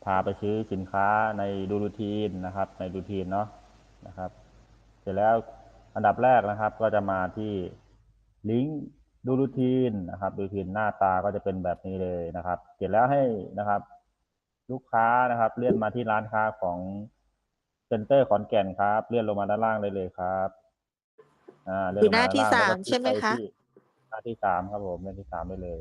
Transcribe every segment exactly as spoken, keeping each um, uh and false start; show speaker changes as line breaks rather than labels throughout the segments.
พาไปซื้อสินค้าในดูรูทีนนะครับในดูทีนเนาะนะครับ เสร็จแล้วอันดับแรกนะครับ ก็จะมาที่ลิงก์ดูรูทีนนะครับดูรูทีนหน้าตาก็จะเป็นแบบนี้เลยนะครับ เสร็จแล้วให้นะครับ ลูกค้านะครับเลื่อนมาที่ร้านค้าของเซ็นเตอร์ขอนแก่นครับเลื่อนลงมาด้านล่างได้เลยครับอ่าเลื่
อ
อนลง
ยู่หน้า
มาด้านล่างแล้ว
ที่สาม
ก็คลิกไป
ใช่ไหมคะ
ที่หน้าที่สามครับผมหน้าที่สามได้เลย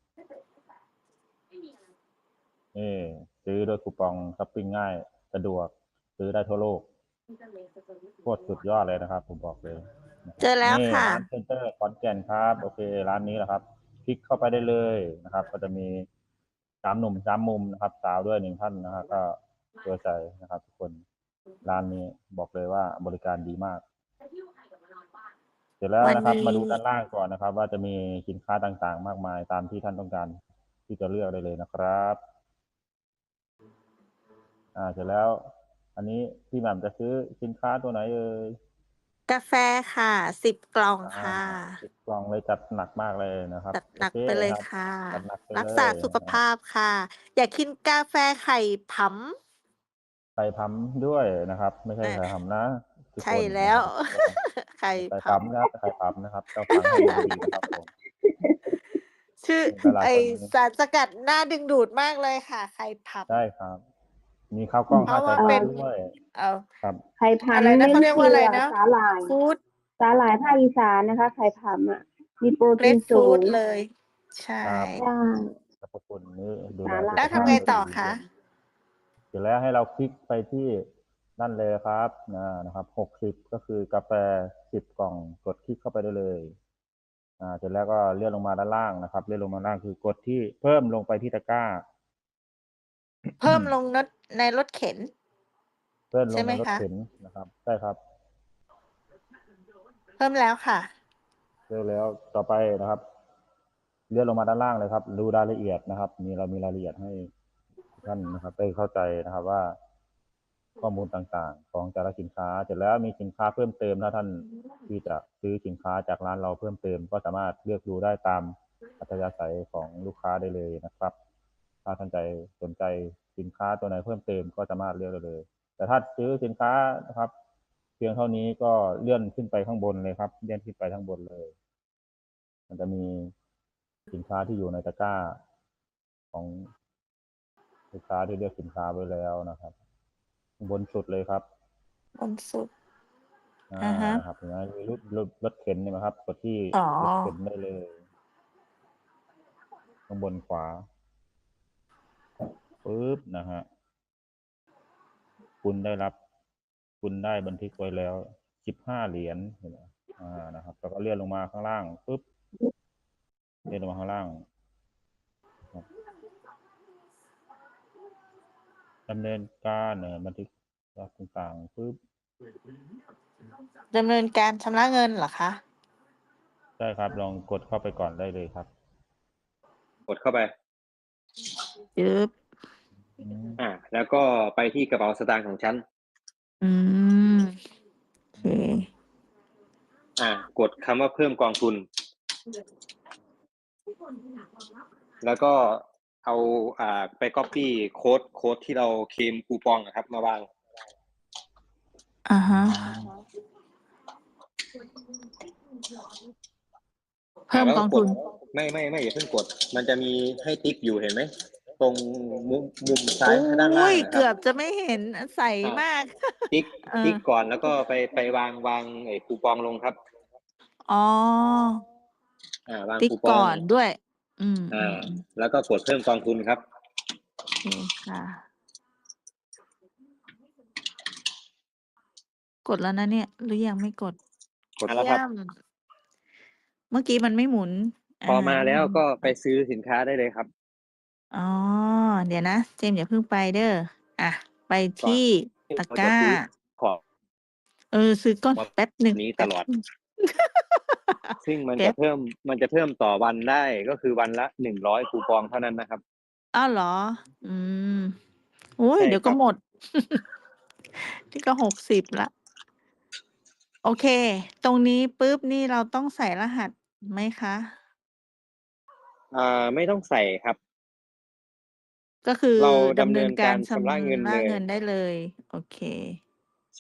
นี่ซื้อด้วยคูปองช้อปปิ้งง่ายสะดวกซื้อได้ทั่วโลกโคตรสุดยอดเลยนะครับ ผมบอกเลยนะค
เจ
รับ
อแล้ว
นี่
ค่ะ
ร้านเซ็นเตอร์ขอนแก่นครับโอเคร้านนี้แหละครับคลิกเข้าไปได้เลยนะครับ ก็จะมีสามหนุ่มสามมุมนะครับ สาวด้วยหนึ่งท่านนะครับก็เชื่อใจนะครับ ทุกคนร้านนี้บอกเลยว่าบริการดีมาก เสร็จแล้ว
วัน
นะครับ
นี้
มาดูด้านล่างก่อนนะครับ ว่าจะมีสินค้าต่างๆ มากมายตามที่ท่านต้องการที่จะเลือกได้เลยนะครับอ่าเสร็จแล้ว อันนี้พี่แหม่มจะซื้อสินค้าตัวไหนเอ่ย
กาแฟค่ะสิบกล่อง
อ่า
ค่ะ
สิบกล่องเลยจัดหนักมากเลยนะครับ
จัดห
โอเค
นักไปเลย
ครับ
ค่ะ
จัดหนักไป
รัก
เล
ษา
ย
สุข
นะ
ภาพค่ะ อยากกินกาแฟไข่ผ
ใส่พัมด้วยนะครับ ไม่
ำ
ใช่
นะ
ไข่หำนะทุก
ใช่
คน
แล้ว
นะครับ
ไข่
ใส่
ผ
พัมนะครับไข่พัมนะครับต้องฟังให้ดีๆนะครับผม
ำชื่อ
หลา
ไอ
ยๆคน
สารสกัดน่าดึงดูดมากเลยค่ะ ไข่ผ
ใช่ครับ มีข้าวกล้อง
ำเพ
ห้า
ราะว่า
สายพัน
เป็น
ธุ์ด้วย
เอา
ครับ
ไข่ผ
อะไร
ำ
นะ
เน้น
เขาเรียก
เกลือ
ว่าอะไรนะ
สาหร่าย
ฟู้ด
สาหร่ายภาคอีสานนะคะไข่ผำอ่ะมีโปร
เกร
ตีน
ปฟ
สู
รุต
ง
เลย ใช่
ครับ
ใช่
สรรพคุณนี้ดูแล
สาห
สุ
ร่า
ข
แล้ว
ภา
ทำ
พ
ไง
ย
ต่อ
ดี
คะ
เสร็จแล้วให้เราคลิกไปที่นั่นเลยครับนะนะครับหกสิบก็คือกาแฟสิบกล่องกดคลิกเข้าไปได้เลยอ่าเสร็จแล้วก็เลื่อนลงมาด้านล่างนะครับเลื่อนลงมาด้านล่างคือกดที่เพิ่มลงไปที่ตะกร้า
เพิ่มลงนดในรถเข็น
เพิ่มล
ใช่
ง
ไห
ใน
ม
รถ
คะ
เข็นนะครับใช่ครับ
เพิ่มแล้วค่ะ
เลือกแล้วต่อไปนะครับ เลื่อนลงมาด้านล่างเลยครับ ดูรายละเอียดนะครับ มีเรามีรายละเอียดให้ทุกท่านนะครับได้เข้าใจนะครับว่า ข้อมูลต่างๆ ของแต่ละสินค้าเสร็จแล้วมีสินค้าเพิ่มเติมถ้าท่านที่จะซื้อสินค้าจากร้านเราเพิ่มเติม ก็สามารถเลือกดูได้ตามอัธยาศัยของลูกค้าได้เลยนะครับ ถ้าท่านใจสนใจสินค้าตัวไหนเพิ่มเติมก็สามารถเลือกได้เลย แต่ถ้าซื้อสินค้านะครับ เพียงเท่านี้ก็เลื่อนขึ้นไปข้างบนเลยครับเลื่อนขึ้นไปข้างบนเลย มันจะมีสินค้าที่อยู่ในตะกร้า ของลูกค้าที่เลือกสินค้าไว้แล้วนะครับบนสุดเลยครับ
บนสุด
อ่า
อะฮะ
นะครับเห็นไหมมีรถรถรถเข็นเห็นไหมครับกดที่
อ๋อ
รถเข็นได้เลยข้างบนขวาปึ๊บนะฮะคุณได้รับ คุณได้บันทึกไว้แล้วสิบห้าเหรียญเห็นไหมอ่านะครับแล้วก็เลื่อนลงมาข้างล่างปึ๊บเลื่อนลงมาข้างล่างครับดำเนินการเอ่อบันทึกรับต่างๆปึ๊บ
ดำเนินการชำระเงินเหรอคะ
ใช่ครับลองกดเข้าไปก่อนได้เลยครับ
กดเข้าไป
ยึบ
อืม
อ่า แล้วก็ไปที่กระเป๋าสตางค์ของฉัน
อืม โอเค
อ่า กดคำว่าเพิ่มกองทุน แล้วก็เอาอ่าไป copy โค้ดโค้ดที่เราเคลมคูปองนะครับ มาวาง
อ่าฮะ เพิ่ม
แล้ว
ก
ก็
อง
ก
ทุ
ด
น
ไม่ไม่ไม่อย่าเพิ่งกด มันจะมีให้ติ๊กอยู่เห็นไหม ตรงมุมมุมซ้า
โอ้
ยด้านล่าง
ย
นะค
เกื
รั
อบ บจะไม่เห็น อ ใส
อ่าม
าก
ติ๊ก
เออ
ติ๊กก่อนแล้วก็ไปไปวางวางไอ้คูปองลงครับ
อ๋อ
อ่า วาง
ติ๊ก
คูป
ก
อ่
อง นด้วย อืม
อ่า
ๆ ๆ
แล้วก็กดเพิ่มกองทุนครับ
โอเคค่ะ กดแล้วนะเนี่ย หรือยังไม่กด?
กด แล้ว ครับ
เยี่ยม เมื่อกี้มันไม่หมุน
พอ
อา
มาแล้วก็ไป
ไป
ซื้อสินค้าได้เลยครับ
อ๋อ เดี๋ยวนะ เจมส์อย่าเพิ่งไปเด้อ อะ ไป
ก
ท่
อนี่ที่
ตะ
เรา
ก
จะ
ร้า
ซื้อ ของ
เออ ซื้อก่อน
มา
แป๊บหนึ่ง
นี้
แป๊บ
ตลอด
หนึ่ง
ซึ่งมัน
แป
จะ
๊บ
เพิ่ม มันจะเพิ่มต่อวันได้ ก็คือวันละ หนึ่งร้อย คูปองเท่านั้นนะครับ
อ้าว เหรอ? อืม โอ๊
ใ
ย
ช่
เดี๋ยวก
คร็ับ
หมด นี่ก็ หกสิบ แล้ว โอเค ตรงนี้ปุ๊บ นี่เราต้องใส่รหัสไหมคะ?
อ่า ไม่ต้องใส่ครับ
ก็คือ
เรา
ดำ
ดำ
เนิ
เนิ
น
น
กา
การ ร
ชำ
ชำระเงิน
ระ
เลย
เงินได้เลย โอเค
ใช่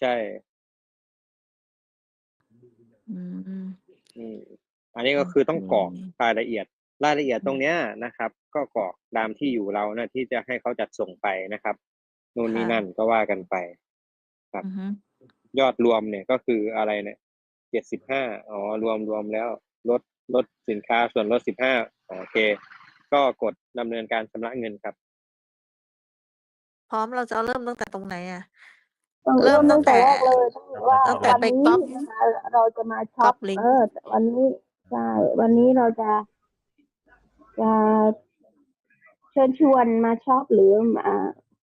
อืม
อืม อันนี้
โอ
ก็คือ
เค
ต้องกรอกรายละเอียด รายละเอียดตรงเนี้ยนะครับ ก็กรอกตามที่อยู่เราน่ะที่จะให้เขาจัดส่งไปนะครับ นู่น
ค่
นี่
ะ
นั่น ก็ว่ากันไป ครับ
อือฮึ
ยอดรวมเนี่ย ก็คืออะไรเนี่ย เจ็ดสิบห้า อ๋อ รวม รวมแล้ว ลด ลดสินค้าส่วนลด สิบห้า โอเค ก็กดดำเนินการชำระเงินครับ
พร้อม เราจะเอาเริ่มตั้งแต่ตรงไหนอะ?
ต้อง
เริ่
เริ่
ม
ม
ตั
ตั้
้
ง
ง
แต่
แต่
แรกเลยว่า
ตั้งแต่
วัน
ไป
นี้
ก๊อป
นะคะ เราจะมาช็
ก๊
อ
อ
ป
ปลิง
เอ
ก์
อ วันนี้ ใช่ วันนี้เราจะ จะ เชิญชวนมาช็อป หรือ อ่า